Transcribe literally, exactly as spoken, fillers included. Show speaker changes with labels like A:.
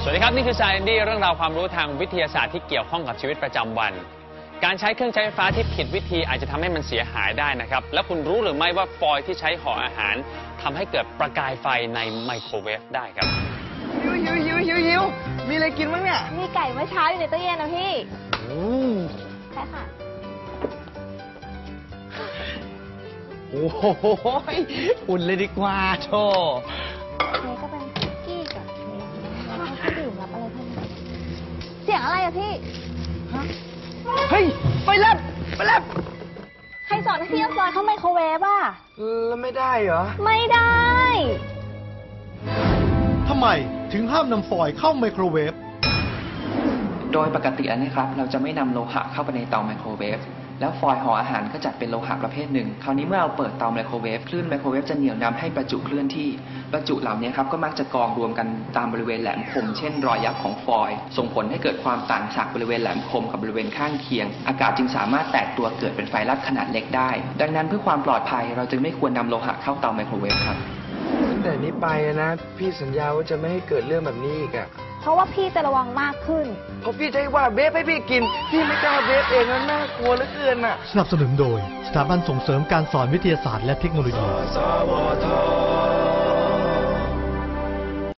A: สวัสดีครับนี่คือ Science เรื่องราวความรู้ทางวิทยาศาสตร์ที่เกี่ยวข้องกับชีวิตประจำวันการใช้เครื่องใช้ไฟฟ้าที่ผิดวิธีอาจจะทำให้มันเสียหายได้นะครับแล้วคุณรู้หรือไม่ว่าฟอยล์ที่ใช้ห่ออาหารทำให้เกิดประกายไฟในไมโครเวฟได้ครับ
B: หิวหิวหิวหิวหิวมีอะไรกินบ้างเนี่ย
C: มีไก่เมื่อเช้าอยู่ในตู้เย็นนะพี่
B: โอ้
C: ใช่ค่ะ
B: โอ้โหอุ่นเลยดีกว่าโธ่
C: นี่ก็เป็นคุกกี้กับเค้กแล้วก็ดื่มรับอะไรเพิ่มเสียงอะไรอะพี่
B: เฮ้ยไฟแลบไฟแลบ
C: ใครสอนให้พี่เอาฟอยล์เข้าไมโครเวฟอ่ะ
B: แล้วไม่ได้เหรอ
C: ไม่ได้
D: ทำไมถึงห้ามนำฟอยล์เข้าไมโครเวฟ
E: โดยปกติแล้วนะครับเราจะไม่นำโลหะเข้าไปในเตาไมโครเวฟแล้วฟอยล์ห่ออาหารก็จัดเป็นโลหะประเภทหนึ่งคราวนี้เมื่อเราเปิดเตาไมโครเวฟคลื่นไมโครเวฟจะเหนี่ยวนำให้ประจุเคลื่อนที่ประจุเหล่านี้ครับก็มักจะกองรวมกันตามบริเวณแหลมคมเช่นรอยยับของฟอยล์ส่งผลให้เกิดความต่างจากบริเวณแหลมคมกับบริเวณข้างเคียงอากาศจึงสามารถแตกตัวเกิดเป็นไฟลัดขนาดเล็กได้ดังนั้นเพื่อความปลอดภัยเราจึงไม่ควรนำโลหะเข้าเตาไมโครเวฟครับ
B: ตั้งแต่นี้ไปนะพี่สัญญาว่าจะไม่ให้เกิดเรื่องแบบนี้อีกอ่ะ
C: เพราะว่าพี่จะระวังมากขึ้น
B: เพราะพี่จะให้ว่าเบฟให้พี่กินพี่ไม่กล้าเบฟเองแล้วน่ากลัวเหลือเกินอ่ะ
D: สนับสนุนโดยสถาบันส่งเสริมการสอนวิทยาศาสตร์และเทคโนโลยี